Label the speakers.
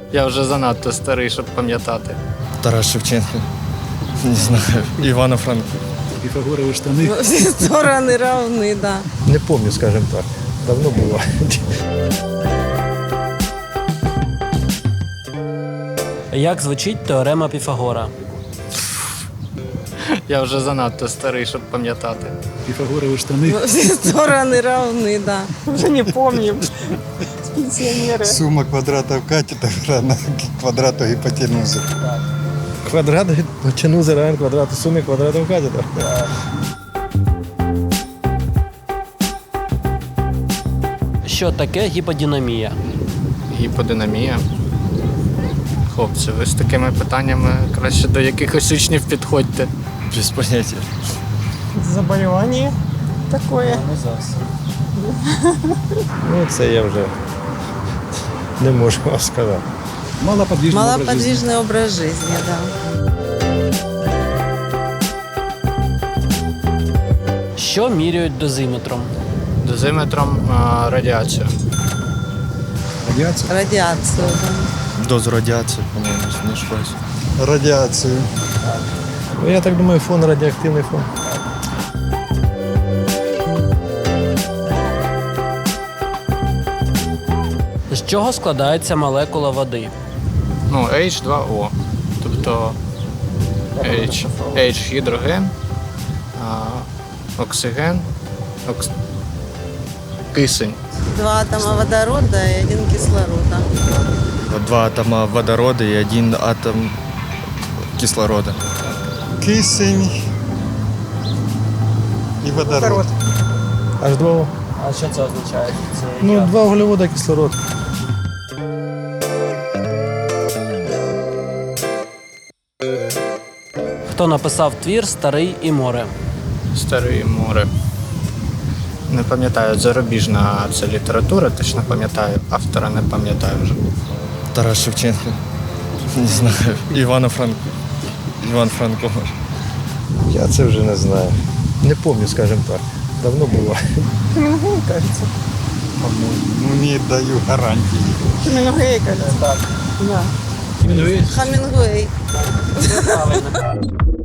Speaker 1: Я вже занадто старий, щоб пам'ятати.
Speaker 2: Тарас Шевченко. Не знаю. Івано Франко.
Speaker 3: Пифагорові штани.
Speaker 4: Всі сторони равні, да.
Speaker 3: Не пам'ятаю, скажімо так. Давно було.
Speaker 5: Як звучить теорема Піфагора?
Speaker 1: Я вже занадто старий, щоб пам'ятати.
Speaker 3: Пифагорові штани.
Speaker 4: Всі сторони равні, да. Вже не пам'ятаю. Пенсіонери.
Speaker 6: Сума квадратів катетра на квадрату гіпотенузи.
Speaker 3: Квадрат гіпотенузи равен квадрату суми квадратів катетра.
Speaker 5: Що таке гіподинамія?
Speaker 1: Гіподинамія. Хлопці, ви з такими питаннями краще до якихось учнів підходьте.
Speaker 2: Без поняття.
Speaker 4: Заболівання таке.
Speaker 3: Ну, це я вже не можу вам сказати.
Speaker 4: Малоподвижний образ життя, да.
Speaker 5: Що міряють дозиметром?
Speaker 1: Дозиметром радіацію.
Speaker 3: Радіація?
Speaker 4: Радіацію, да.
Speaker 2: Дозу радіації, по-моєму, не ошибаюсь.
Speaker 6: Радіацію.
Speaker 3: Ну, я так думаю, фон радіоактивний фон.
Speaker 5: З чого складається молекула води?
Speaker 1: Ну, H2O. Тобто H гідроген, оксиген, кисень.
Speaker 4: 2 атома водорода і 1 кислорода.
Speaker 2: 2 атома водорода і 1 атом кислорода.
Speaker 6: Кисень і водород.
Speaker 3: H2O.
Speaker 5: А що це означає?
Speaker 3: Ну, 2 вуглевода, кислород.
Speaker 5: Хто написав твір «Старий і море»?
Speaker 1: Старе море. Не пам'ятаю, зарубіжна це література, точно пам'ятаю. Автора не пам'ятаю вже.
Speaker 2: Тарас Шевченко. Не знаю. Івано Франко. Іван Франко.
Speaker 3: Я це вже не знаю. Не пам'ятаю, скажімо так. Давно було.
Speaker 6: Ну, не даю гарантії.
Speaker 4: Хемінгуей, кажется. Так. Да. Хемінгуей.
Speaker 5: Правильно.